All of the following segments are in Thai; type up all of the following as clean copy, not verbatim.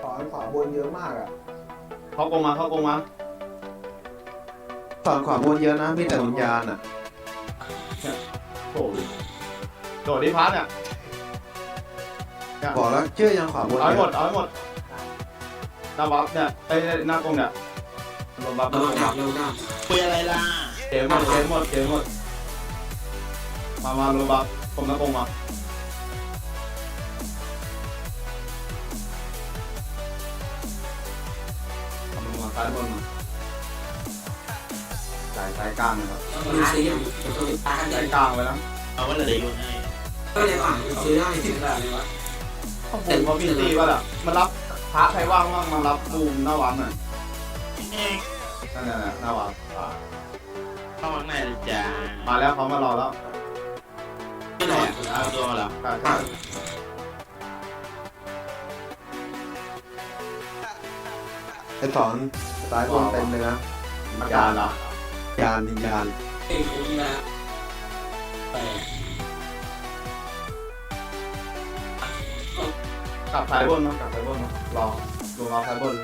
ขวาบนเยอะมากอ่ะเข้ากงมาสอนขวาบนเยอะนะมีแต่วิญญาณอ่ะโอ้ยโดดดิพัทเนี่ยบอกแล้วเชื่อยังขวาบนเอาให้หมดหน้าบัฟเนี่ยไอ้หน้ากงเนี่ยลงบัฟเราดับคุยอะไรล่ะเกมหมดมาลงบัฟผมหน้ากงมาซ้ายบนมาสายกลางนะครับมันซื้ออย่างตาสายกลางไว้แล้วเอาว่าเหลืออยู่ให้ก็เลยฝังซื้อได้ถึงผมเขามีตีว่าแหละมันรับพระใครว่างบ้างมารับบูมหน้าวัดหน่อยนั่นแหละหน้าวัดเข้าข้างในเลยจ้ามาแล้วเขามารอแล้วไม่หรอเอาตัวมาแล้วใช่ไอ้สอนสายบนเต็มเลยนะวิญญาณเหรอวิญญาณเองคุณนะแต่กลับสายบนมากลับสายบนมารอลงรอสายบน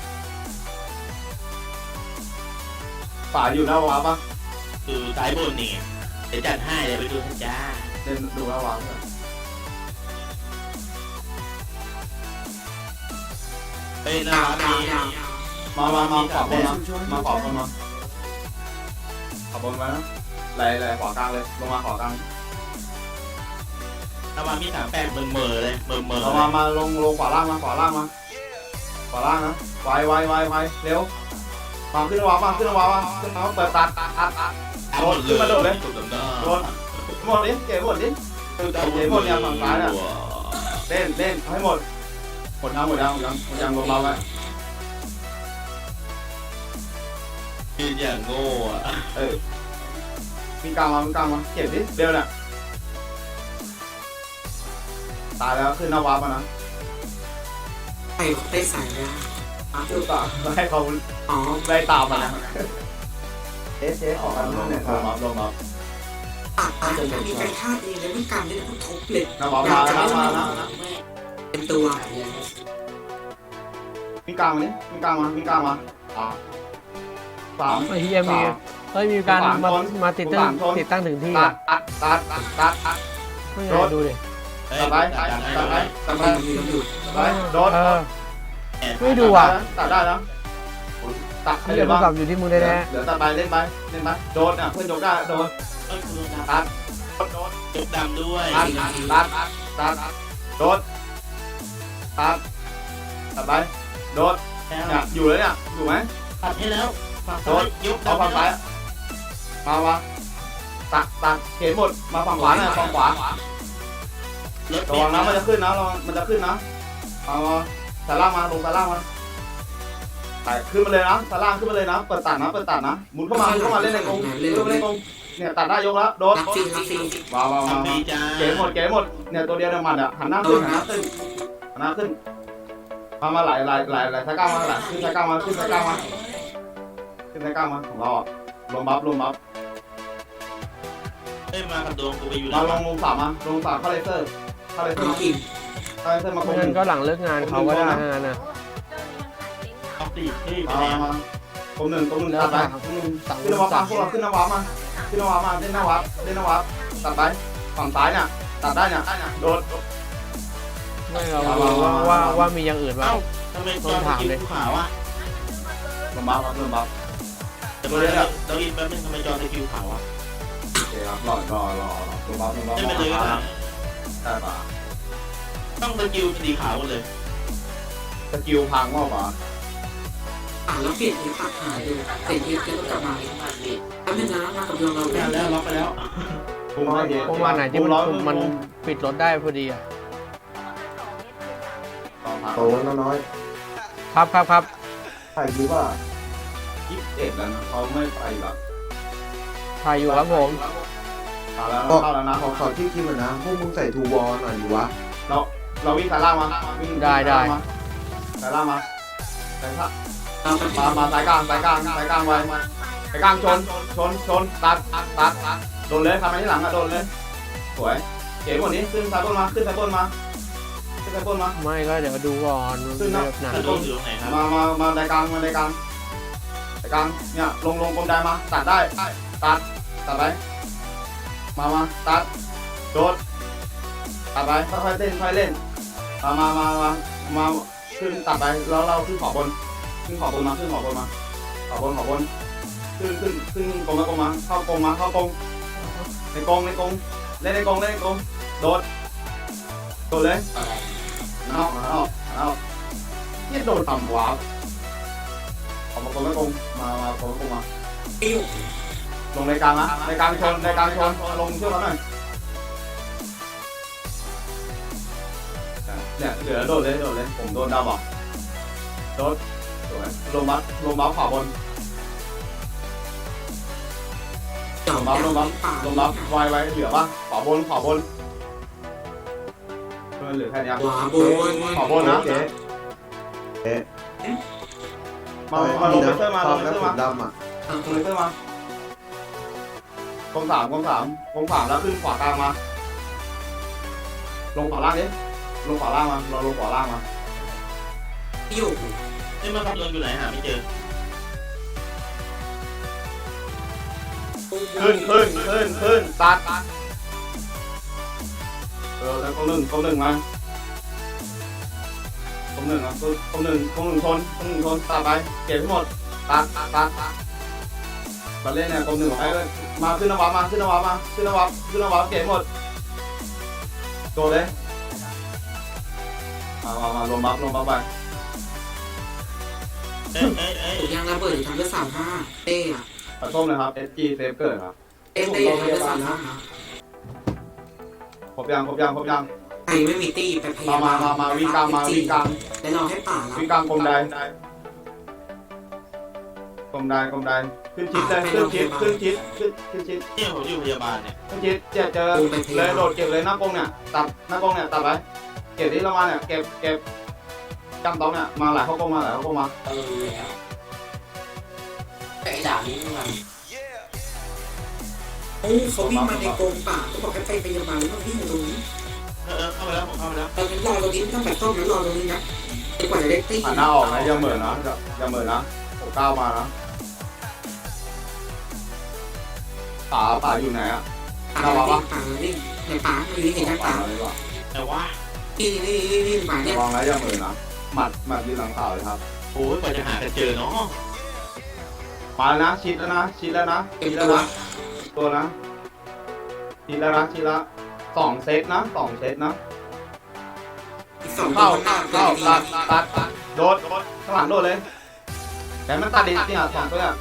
ป่าอยู่หน้าวัดปะคือสายบนนี่เดี๋ยวจัดให้เดี๋ยวไปดูให้จ้าเล่นดูหน้าวัดเฮ้ยน่ารักดีมาขวาบนนะมาขวาบนมาขวาบนมานะไหลขวากลางเลยลงมาขวากลางถ้ามามี38เมื่อเลยเมื่อเรามาลงขวาล่างมาขวาล่างนะไวเร็วมาขึ้นวาขึ้นวาเปิดตัดโดนขึ้นมาโดดเลยโดนหมดดิเก๋หมดดิเก๋หมดเนี่ยฝั่งซ้ายน่ะเล่นให้หมดยังลงเราไว้คืออย่างโง่อะมีกลางมาเก็บดิเร็วเนี่ยตายแล้วขึ้นหน้าวาร์ปมานะใส่ได้ใส่แล้วดูต่อให้เขาอ๋อไล่ตามมานะเอขอกันด้วยเนี่ยครับลงมาตัดไปมีการฆ่าเองแล้วมันกรรมได้ทุกทุบเลยหน้าวาร์ปมาแล้วเต็มตัวมีกลางมาสามไอ้เฮียมีมีการมาติดตั้งถึงที่ตัอ่ะดไม่ไงดูดิตัดไปโดนไม่ดูอ่ะตัดได้แล้วตัดเฮียโทรศัพท์อยู่ที่มึงแน่เดี๋ยวตัดไปเล่นไปโดนอ่ะเพื่อนยกได้โดนตัดโดนจุกดำด้วยตัดโดนตัดไปโดนเนี่ยอยู่เลยเนี่ยอยู่ไหมตัดให้แล้วฝั่งโดซ้ายนยุบเอาฝั่งซ้ายมาตัดเข็นหมดมาฝั่งขวาหน่อยฝั่งขวารถระวังนะมันจะขึ้นนะมันจะขึ้นนะเอาสายล่างมาลงสายล่างมาไต่ขึ้นมาเลยนะสายล่างขึ้นมาเลยนะเปิดตัดนะหมุนเข้ามาเล่นในกรงเนี่ยตัดได้ยกแล้วโดนรับฟิลว้าวทำดีจ้าเก๋หมดเนี่ยตัวเดียวเนี่ยมันอ่ะหันหน้าขึ้นมาไหลสายก้าวมาไหลขึ้นสายก้าวมาของเราอ่ะลงบัฟเฮ้ยมากับดวงกูไปอยู่มาลงสามเข้าเลเซอร์กินมาๆเงินก็หลังเลิกงานเขาก็ได้งานน่ะเอาตีเฮ้ยไปมาแล้วตรงหนึ่งตัดไปขึ้นนวับมาพวกเราขึ้นนวับมาเล่นนวับตัดไปฝั่งซ้ายเนี่ยตัดได้เนี่ยโดนไม่เราว่ามีอย่างอื่นว่าเอ้าทำไมจอสกิลขาวอ่ะลงบัฟแต่เมื่อเราอินแป๊บนึงทำไมจอสกิลขาวอ่ะโอเคครับรอลงบัฟไม่เป็นเลยก็ได้ได้ป่ะต้องสกิลสีขาวเลยสกิลพังว่าป่ะแล้วเปลี่ยนที่ตัดหายดูเปลี่ยนที่ก็กลับมาแล้วเป็นน้ำมากับดวงเราแล้วล็อกไปแล้วพุ่งให้เยเพราะว่าไหนที่มันปิดรถได้พอดีอ่ะโตน้อยครับใครคิดว่า 21แล้วนะเขาไม่ไปหรอกถ่ายอยู่ครับผมเข้าแล้วนะขอที่คิดหน่อยนะพวกมึงใส่ทูวอลหน่อยดิวะเราวิ่งสายล่างมาสายล่างมาสายมาสายกลางไว้สายกลางชนตัดโดนเลยทำไมที่หลังอะโดนเลยสวยเก๋หมดนี้ขึ้นสายบนมาไปปล้นมาไม่ก็เดี๋ยวดูก่อนขึ้นนะแบบหนักถ้าโดนอยู่ตรงไหนครับมาในกลางเนี่ยลงกลมได้มาตัดได้ตัดไปมาตัดโดดตัดไปค่อยๆเล่นมาขึ้นตัดไปแล้วเราขึ้นขอบนมาขอบนขึ้นกลมมาเข้ากลมในกลมเล่นในกลมโดดเลยเอาที่โดดต่ำกว่าออกมากลมมากลมมาปิ้วลงในกลางนะในกลางชนลงเชื่อมกันหน่อยเนี่ยเหลือโดดเลยผมโดนดาวบอกโดดสวยลงบัฟขวาบนจอลมงบัฟป่าไว้เหลือป่ะขวาบนเหลือแค่นี้ขวาบนขวาบนนะเจ๊มาลงไปเชื่อมาชอบแล้วผมดำอ่ะลงไปเชื่อมากองสามแล้วขึ้นขวากลางมาลงขวาล่างดิลงขวาล่างมาเราลงขวาล่างมาปิ้วนี่มันขับรถอยู่ไหนหาไม่เจอขึ้นตัดแล้วกองหนึ่งมาคงหนึ่งชนตัดไปเก็บให้หมดตัดมาเล่นเนี่ยกองหนึ่งไปเลยมาขึ้นนวับเก็บหมดโดดเลยมาลงบัฟไปถูกยางระเบิดทำด้วย35เต้อะตัดส้มเลยครับ SG เซฟเกิดครับเต้ทำด้วย35 ครบยังใครไม่มีตี้ไปพยายามมาวิ่งกลางแล้วรอให้ป่ารับวิ่งกลางกลมใดขึ้นชิดเลยขึ้นชิดเนี่ยผมอยู่พยาบาลเนี่ยเจอเลยโดดเก็บเลยหน้ากงเนี่ยตัดไปเก็บที่เรามาเนี่ยเก็บจำต้องเนี่ยมาหลายเขากงมาแล้วแต่ไอ้ด่านี้มันเขาวิ่งมาในกรงป่าเขาบอกให้ไปพยาบาลแล้ววิ่งอยู่ตรงนี้เข้าไปแล้วผมเข้าไปแล้วตอนนี้รอตรงนี้ต้องแบบต้มแล้วรอตรงนี้นะจนกว่าจะได้ตี้หันหน้าออกนะอย่าเหมือนนะผมก้าวมานะป่าอยู่ไหนอ่ะป่าวิ่งในป่าอยู่ที่เห็นทางป่าแต่ว่านี่ป่าเนี่ยระวังนะอย่าเหมือนนะหมัดยืนหลังเต่าเลยครับโอ้ยกว่าจะหากันเจอเนาะมาแล้วนะชิดแล้วนะตัวนะชิดแล้ว2 เซตนะเข้าตัดโดดข้างหลังโดดเลยแต่มันตัดดิเนี่ย2 ตัวเนี่ย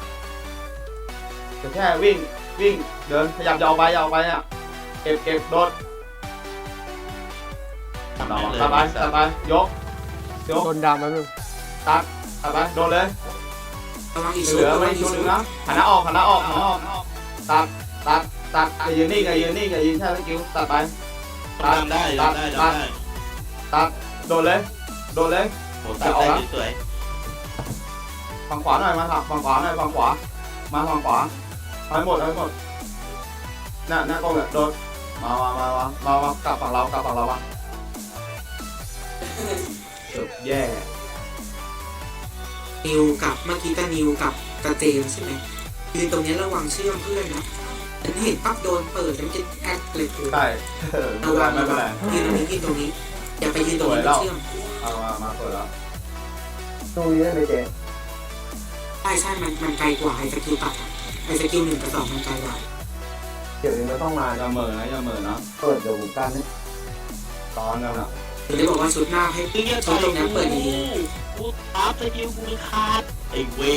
แค่วิ่งเดินขยับยาวไปเนี่ยเก็บโดดตัดไปยกโดนดำแป๊บนึงตัดไปโดนเลยระวังอีกเหลือไม่ชุดนึงนะหันหน้าออกตัดอย่ายืนนิ่งอย่ายืนแค่สกิลตัดไปได้ตัดโดนเลยโอ้ตัดได้สวยฝั่งขวาหน่อยมาฝั่งขวาให้หมดหน้ากล้องเนี่ยโดนมากลับฝั่งเราบ้างจบแย่นิวกับเมื่อกี้กับนิวกับเจมใช่ไหมยืนตรงนี้ระวังเชื่อมเพื่อนนะฉันเห็นปั๊บโดนเปิดแล้วมันจะแอดเลยคือใช่ระวังไม่เป็นไรยืนตรงนี้อย่าไปยืนตรงนี้เชื่อมเอามาเปิดแล้วตรงนี้ได้ไหมเจ๊ใช่มันไกลกว่าไอ้สกิลตัดไอ้สกิล1 กับ 2มันไกลกว่าเดี๋ยวนี้ต้องมาอย่าเหม่อนะเปิดเดี๋ยวผมกันนะตอนนั้นอ่ะถึงได้บอกว่าชุดหน้าให้คือเนี่ยชุดตรงนี้เปิดดีกูตัดสกิลกูขาดไอ้เวน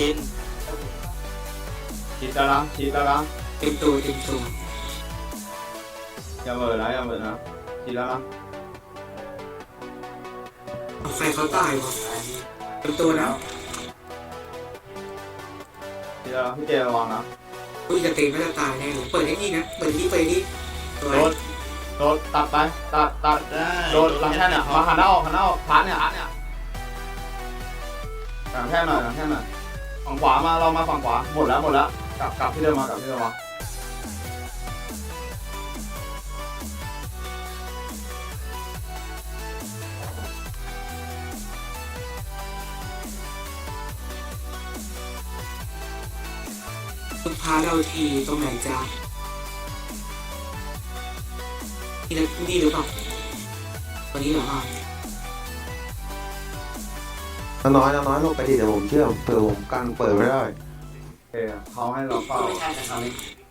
ชิดแล้วนะเต็มตัวอย่าเหม่อนะชิดแล้วนะใครเขาตายวะเต็มตัวนะชิดแล้วพี่เจระวังนะคุยกับเต็มไม่จะตายแน่เปิดให้ดีนะเปิดที่โดดตัดไปตัดได้โดดหลังแท่นเนี่ยมาหันหน้าออกพาร์ทเนี่ยหลังแท่นหน่อยฝั่งขวามาเรามาฝั่งขวาหมดแล้วกลับที่เดิมมาคุณพาเราทีตรงไหนจ๊ะนี่หรือเปล่าวันนี้เหรอน้อยลงไปดิเดี๋ยวผมเชื่อมเผื่อผมกันเปิดไม่ได้โอเคเขาให้เราเฝ้าไม่ใช่แต่เขาเลย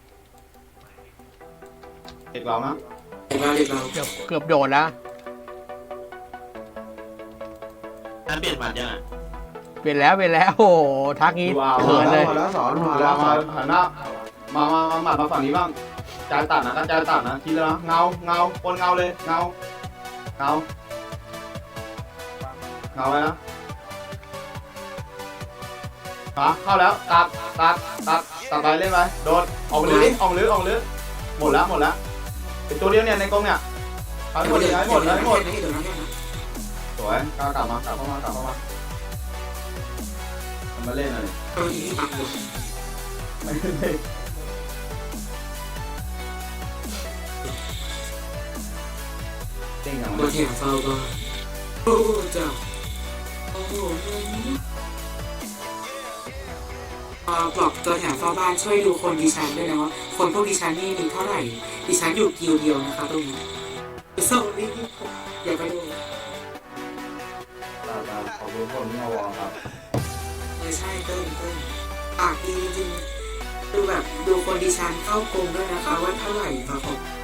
เด็กเรานะเด็กเราเกือบโดดแล้วถ้าเปลี่ยนหมัดยังอ่ะเปลี่ยนแล้วโอ้โหทักงี้เขินเลยมาแล้วสอนมามาแล้แล้ว วมาหันหน้ามาหมัดมาฝั่งนี้บ้างจายตัดนะก็จายตัดนะทีละนะเงาบนเงาเลยเงาไว้นะเข้าแล้วตัดไปเล่นไปโดดออกลึกหมดแล้วเป็นตัวเดียวเนี่ยในกรงเนี่ยเอาให้หมดสวยกลับเข้ามามาเล่นหน่อยตัวนี้ปักอยู่ไม่เล่นเก่งอย่างตัวแถมเฝ้าก็โอ้เจ้าโอ้โหปลอกตัวแถมเฝ้าบ้านช่วยดูคนดิฉันด้วยนะว่าคนพวกดิฉันนี่มีเท่าไหร่ดิฉันอยู่กิวเดียวนะคะตรงนี้โซ่นี่อย่าไปดูขอบคุณคนที่มาวอครับใช่เต้นปากดีจริงดูแบบดูคนดิฉันเข้ากรงด้วยนะคะว่าเท่าไหร่ครับผม